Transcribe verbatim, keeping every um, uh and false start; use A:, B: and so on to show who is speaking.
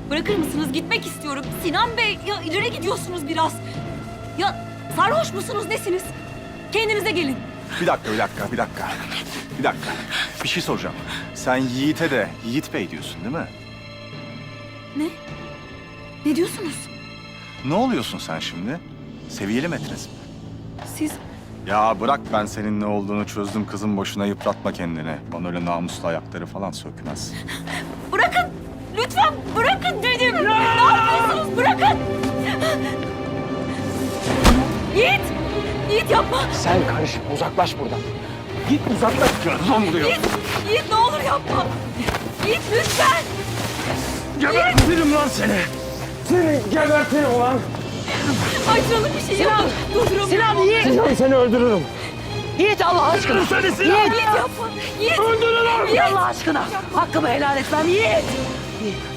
A: Bırakır mısınız? Gitmek istiyorum. Sinan Bey, ya ileri gidiyorsunuz biraz. Ya sarhoş musunuz, nesiniz? Kendinize gelin.
B: Bir dakika, bir dakika, bir dakika. Bir dakika. Bir şey soracağım. Sen Yiğit'e de Yiğit Bey diyorsun değil mi?
A: Ne? Ne diyorsunuz?
B: Ne oluyorsun sen şimdi? Seviyeli metres mi?
A: Siz
B: Ya bırak, ben senin ne olduğunu çözdüm kızım, boşuna yıpratma kendini. Bana öyle namuslu ayakları falan sökmez.
A: bırakın. Lütfen bırakın dedim. Ne yapıyorsunuz? Bırakın. Yiğit. Yiğit yapma.
C: Sen karışma, uzaklaş buradan. Git uzaklaş.
B: Gözüm vuruyor.
A: Yiğit. Yiğit ne olur yapma. Yiğit lütfen.
C: Gebertirim lan seni. Seni gebertirim ulan.
A: Acılı bir şey yapın. Durduramıyorum.
D: Sinan Yiğit!
C: Sinan seni öldürürüm.
D: Yiğit Allah aşkına!
C: Seni Sinan.
D: Yiğit!
A: Yiğit yapma. Yiğit.
C: Öldürürüm.
D: Yiğit Allah aşkına! Hakkımı helal etmem Yiğit! Yiğit!